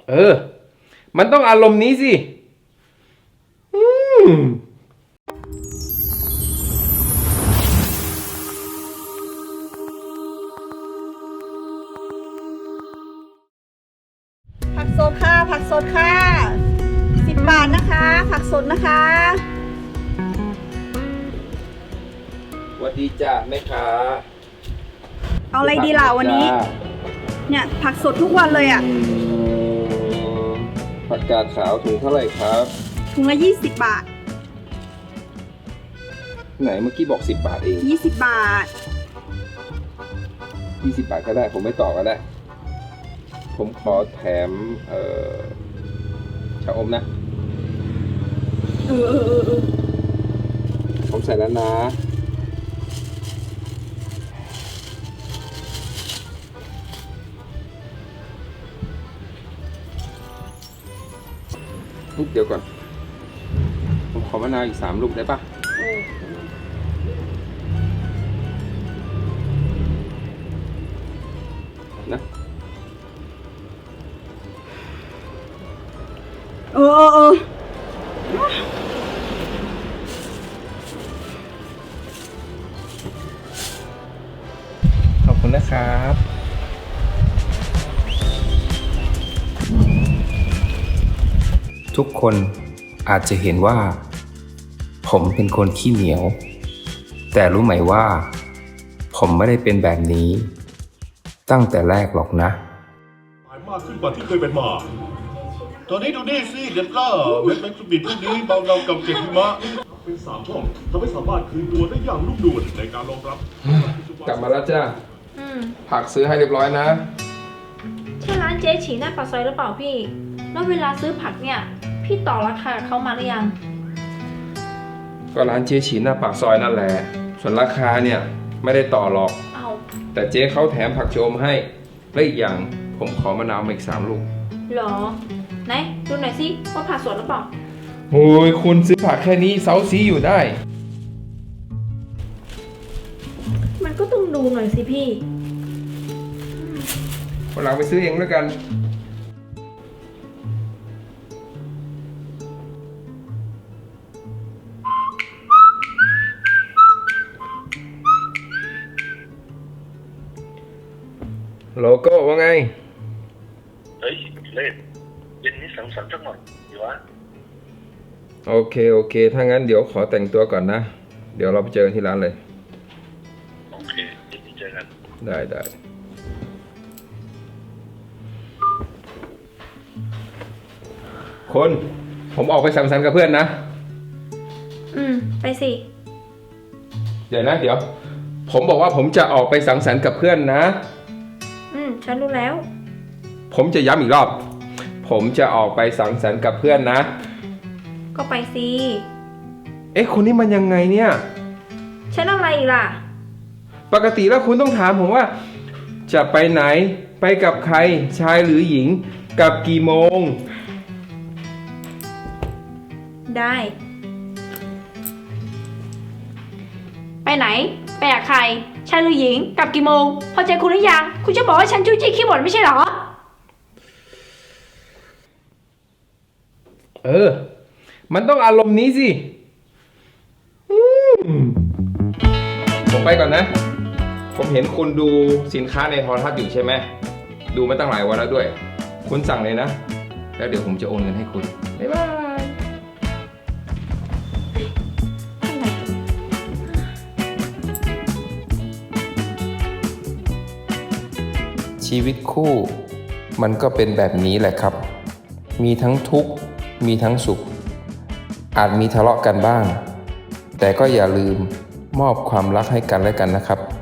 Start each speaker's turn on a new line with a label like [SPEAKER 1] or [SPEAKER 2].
[SPEAKER 1] เออ มันต้องอารมณ์นี้สิอืม
[SPEAKER 2] ผักสดค่ะผักสดค่ะ10 บาทนะคะผักสดนะคะ
[SPEAKER 1] สวัสดีจ้าแม่ค้า
[SPEAKER 2] เอาอะไรดีล่ะวันนี้เนี่ยผักสดทุกวันเลยอ่ะ
[SPEAKER 1] ผักกาดขาวถุงเท่าไหร่ครับ
[SPEAKER 2] ถุงละ20 บาท
[SPEAKER 1] ไหนเมื่อกี้บอก10 บาทเอง
[SPEAKER 2] 20 บาท
[SPEAKER 1] 20 บาทก็ได้ผมไม่ต่อก็ได้ผมขอแถมชาอมนะผมใส่แล้วนะลูกเดียวก่อนผมขอมะนาวอีก3 ลูกได้ปะนะขอบคุณนะครับ
[SPEAKER 3] ทุกคนอาจจะเห็นว่า ผมเป็นคนขี้เหนียว แต่รู้ไหมว่า ผมไม่ได้เป็นแบบนี้ ตั้งแต่แรกหรอกนะ
[SPEAKER 4] มากขึ้นกว่าที่เคยเป็นมา ตอนนี้ดูนี่สิเด็ดล่าเม็ดแมงสวิตพวกนี้เบาเงากับเกล็ดหิมะเป็น3 ช่องทำให้สามารถคืนตัวได้อย่างนุ่มนวลในการรองรับ
[SPEAKER 1] กลับมาแล้วจ้าผักซื้อให้เรียบร้อยนะ
[SPEAKER 5] ใช่ร้านเจ๊ฉีหน้าปากซอยหรือเปล่าพี่ แล้วเวลาซื้อผักเนี่ย พี่ต่อราคากับเขามาหรือยัง
[SPEAKER 1] ก็ร้านเจ๊ฉีหน้าปากซอยนั่นแหละส่วนราคาเนี่ยไม่ได้ต่อหรอก
[SPEAKER 5] เอา
[SPEAKER 1] แต่เจ๊เขาแถมผักโชมให้และอีกอย่างผมขอมะนาวมาอีก3 ลูก
[SPEAKER 5] เหรอ ไหนดูหน่อยสิว่าผักสดหรือเปล่า
[SPEAKER 1] โอ้ยคุณซื้อผักแค่นี้เซาซีอยู่ได้
[SPEAKER 5] มันก็ต้องดูหน่อยสิพี่
[SPEAKER 1] วันหลังไปซื้อเองแล้วกันโลโก้ว่าไง
[SPEAKER 6] เฮ้ยเล่นเย็นนี้สังสรรค์สักหน่อยดีวะ
[SPEAKER 1] โอเคถ้างั้นเดี๋ยวขอแต่งตัวก่อนนะ เดี๋ยวเราไปเจอกันที่ร้านเลย
[SPEAKER 6] โอเคเย็นนี้เจอกัน
[SPEAKER 1] ได้คนผมออกไปสังสรรค์กับเพื่อนนะ
[SPEAKER 5] ไปสิ
[SPEAKER 1] เดี๋ยวผมบอกว่าผมจะออกไปสังสรรค์กับเพื่อนนะ
[SPEAKER 5] ฉันรู้แล้ว
[SPEAKER 1] ผมจะย้ำอีกรอบ ผมจะออกไปสังสรรค์กับเพื่อนนะ
[SPEAKER 5] ก็ไปสิ
[SPEAKER 1] เอ๊ะคนนี้มันยังไงเนี่ย
[SPEAKER 5] ฉันอะไรอีกล่ะ
[SPEAKER 1] ปกติแล้วคุณต้องถามผมว่า จะไปไหน ไปกับใคร ชายหรือหญิง กับกี่โมง
[SPEAKER 5] ได้ ไปไหน ไปกับใคร ชายหรือหญิง กลับกี่โมง พอใจคุณหรือยัง คุณจะบอกว่าฉันจู้จี้ขี้บ่นไม่ใช่เหรอ
[SPEAKER 1] เออ มันต้องอารมณ์นี้สิผมไปก่อนนะ ผมเห็นคุณดูสินค้าในโทรทัศน์อยู่ใช่ไหม ดูมาตั้งหลายวันแล้วด้วย คุณสั่งเลยนะ แล้วเดี๋ยวผมจะโอนเงินให้คุณ บ๊ายบาย
[SPEAKER 3] ชีวิตคู่มันก็เป็นแบบนี้แหละครับ มีทั้งทุกข์ มีทั้งสุข อาจมีทะเลาะกันบ้าง แต่ก็อย่าลืมมอบความรักให้กันและกันนะครับ